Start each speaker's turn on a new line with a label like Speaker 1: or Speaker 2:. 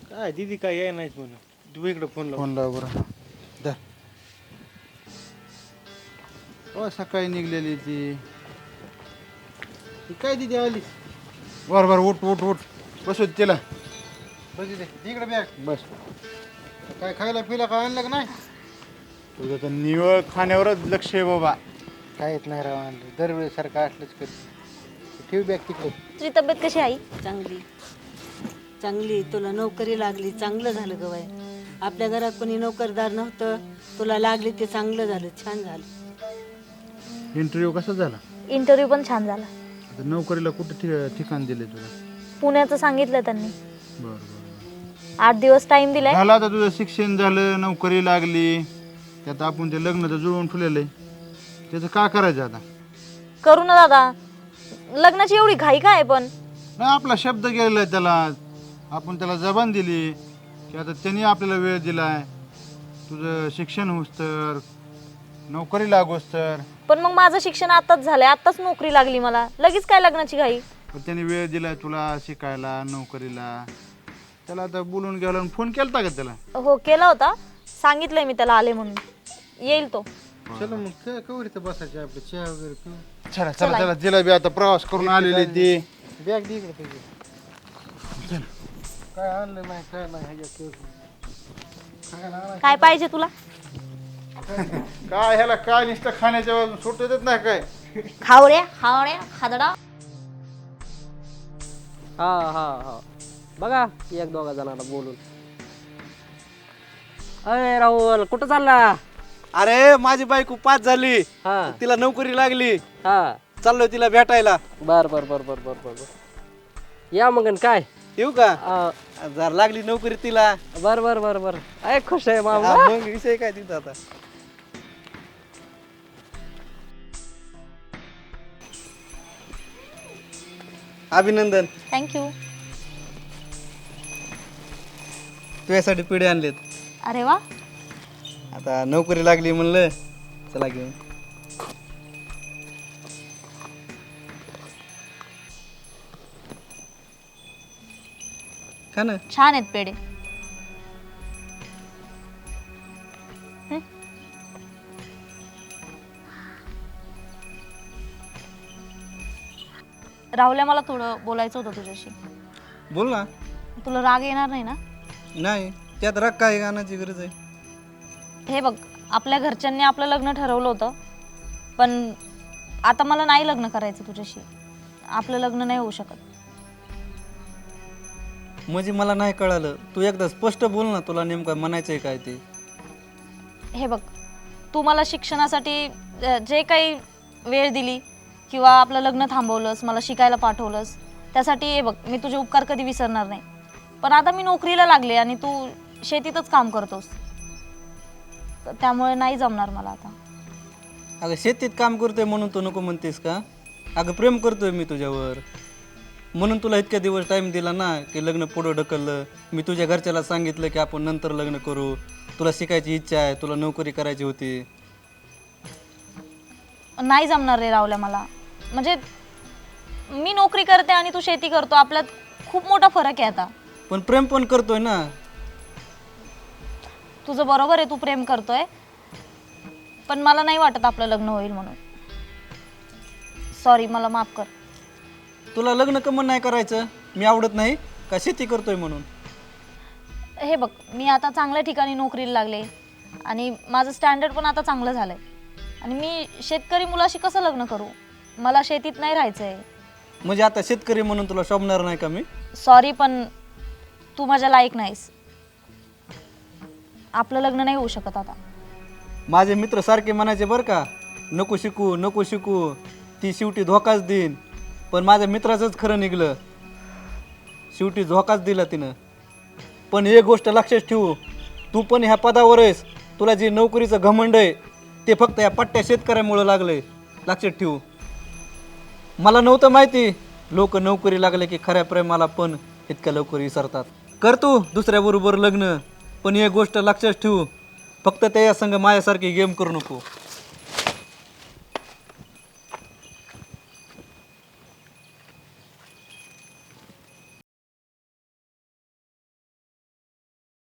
Speaker 1: काय दीदी काय याय नाहीच म्हणून. तू इकडे फोन
Speaker 2: लाव बरं. धर. हो सकाळी निघलेली ती
Speaker 1: काय दीदी आली?
Speaker 2: बरं उठ उठ उठ बसू दे तिला.
Speaker 1: बस दे इकडे बॅग.
Speaker 2: बस.
Speaker 1: काय खायला पिला काय आणलं का नाही?
Speaker 2: तुझं तर निवळ खाण्यावरच लक्ष आहे बाबा.
Speaker 1: काय येत नाही राव आणलं. दरवेळेस सारखं असलंच करते. ठेव बॅग तिकडे.
Speaker 3: तुझी तब्येत कशी आहे?
Speaker 4: चांगली चांगली. तुला नोकरी लागली, चांगलं झालं ग बाई. आपल्या घरात कोणी नोकरदार नव्हतं, तुला लागली ते चांगलं झालं, छान झालं.
Speaker 2: इंटरव्ह्यू कसा झाला?
Speaker 3: इंटरव्ह्यू पण छान झाला.
Speaker 2: आता नोकरीला कुठे ठिकाण दिले तुला?
Speaker 3: पुण्याचं सांगितलं त्यांनी.
Speaker 2: बरं
Speaker 3: 8 दिवस टाइम दिलाय.
Speaker 2: झालं आता तुझं शिक्षण झालं, नोकरी लागली, त्यात आपण ते लग्न तर जुळवून ठेवलेलं आहे. त्याचं काय करायचं आता?
Speaker 3: करू ना दादा. लग्नाची एवढी घाई काय पण?
Speaker 2: नाही आपला शब्द गेलेला आहे त्याला. आपण त्याला जबान दिली की आता त्यांनी आपल्याला वेळ दिलाय. तुझं शिक्षण होस तर, नोकरी लागोस तर.
Speaker 3: पण मग माझं शिक्षण आताच झालंय, आताच नोकरी लागली मला, लगेच काय लग्नाची घाई?
Speaker 2: पण त्यांनी वेळ दिलाय तुला शिकायला, नोकरीला. त्याला आता बोलून गेला. फोन केलता का त्याला?
Speaker 3: हो केला होता. सांगितलंय मी त्याला आले म्हणून. येईल तो.
Speaker 1: चला मग काय कवर इथं बसायचे आपले चहा वगैरे पिऊ.
Speaker 2: चला चला चला. जिलाबी आता प्रवास करून आलेली ती.
Speaker 1: बॅग दे इकडे पाहिजे. काय आणलं नाही काय नाही ह्याच्यात खायला आणायचं.
Speaker 3: काय पाहिजे तुला?
Speaker 2: काय ह्याला काय नुसतं खाण्याच्या बाजून सुट येतच नाही काय?
Speaker 3: खावड्या हावड्या हादडा.
Speaker 5: हा हा हा बघा एक दोघा जणांना बोलून. अरे राहुल कुठं चालला?
Speaker 6: अरे माझी बायको पास झाली,
Speaker 5: हा
Speaker 6: तिला नोकरी लागली,
Speaker 5: हा
Speaker 6: चाललोय तिला भेटायला.
Speaker 5: बर बर बर बर बर बर या मग काय
Speaker 6: येऊ का? जर लागली नोकरी तिला.
Speaker 5: बर बर बर बर अय खुश आहे मामा.
Speaker 6: हा, मग विषय काय तिथं आता. अभिनंदन,
Speaker 3: थँक्यू.
Speaker 6: तुझ्यासाठी पिढे आणलेत.
Speaker 3: अरे वा.
Speaker 6: आता नोकरी लागली म्हणलं चला घेऊन. का ना?
Speaker 3: छान आहेत पेढे. राहुल्या मला थोडं बोलायचं होतं तुझ्याशी.
Speaker 6: बोल ना.
Speaker 3: तुला राग येणार नाही ना?
Speaker 6: नाही त्यात राग काय गाण्याची गरज आहे?
Speaker 3: हे बघ, आपल्या घरच्यांनी आपलं लग्न ठरवलं होतं, पण आता मला नाही लग्न करायचं तुझ्याशी. आपलं लग्न नाही होऊ शकत.
Speaker 6: म्हणजे मला नाही कळालं. तू एकदा स्पष्ट बोल ना, तुला नेमकं म्हणायचंय काय ते.
Speaker 3: हे बघ, तू मला शिक्षणासाठी जे काही वेळ दिली किंवा आपलं लग्न थांबवलंस, मला शिकायला पाठवलंस, त्यासाठी हे बघ मी तुझे उपकार कधी विसरणार नाही. पण आता मी नोकरीला लागले आणि तू शेतीतच काम करतोस, तर त्यामुळे नाही जमणार मला आता.
Speaker 6: अगं शेतीत काम करतोय म्हणून तू नको म्हणतेस का? अगं प्रेम करतोय मी तुझ्यावर, म्हणून तुला इतक्या दिवस टाईम दिला ना की लग्न पुढं ढकललं. मी तुझ्या घरच्याला सांगितलं की आपण नंतर लग्न करू, तुला शिकायची इच्छा आहे, तुला नोकरी करायची होती.
Speaker 3: नाही जमणार रे रावल्या मला. म्हणजे मी नोकरी करते आणि तू शेती करतो, आपल्यात खूप मोठा फरक आहे आता.
Speaker 6: पण प्रेम पण करतोय ना.
Speaker 3: तुझं बरोबर आहे, तू प्रेम करतोय, पण मला नाही वाटत आपलं लग्न होईल म्हणून. सॉरी, मला माफ कर.
Speaker 6: तुला लग्न कमन नाही करायचं? मी आवडत नाही का शेती करतोय म्हणून?
Speaker 3: हे बघ, मी आता चांगल्या ठिकाणी नोकरीला लागले आणि माझं स्टँडर्ड पण आता चांगलं झालंय, आणि मी शेतकरी मुलाशी कसं लग्न करू? मला शेतीत नाही राहायचंय.
Speaker 6: म्हणजे आता शेतकरी म्हणून तुला शोभणार नाही का मी?
Speaker 3: सॉरी, पण तू माझ्या लायक नाहीस. आपलं लग्न नाही होऊ शकत आता.
Speaker 6: माझे मित्र सारखे म्हणायचे बरं का, नको शिकू नको शिकू, ती शेवटी धोकाच देईन. पण माझ्या मित्राचंच खरं निघलं, शेवटी धोकाच दिला तिनं. पण एक गोष्ट लक्षात ठेवू, तू पण ह्या पदावर आहेस, तुला जे नोकरीचं घमंड आहे ते फक्त या पट्ट्या शेतकऱ्यामुळं लागलंय. लक्षात ठेवू. मला नव्हतं माहिती लोक नोकरी लागले की खऱ्या प्रेमाला पण इतक्या लवकर विसरतात. कर तू दुसऱ्याबरोबर लग्न, पण एक गोष्ट लक्षात ठेवू, फक्त त्या संग माझ्यासारखी गेम करू नको.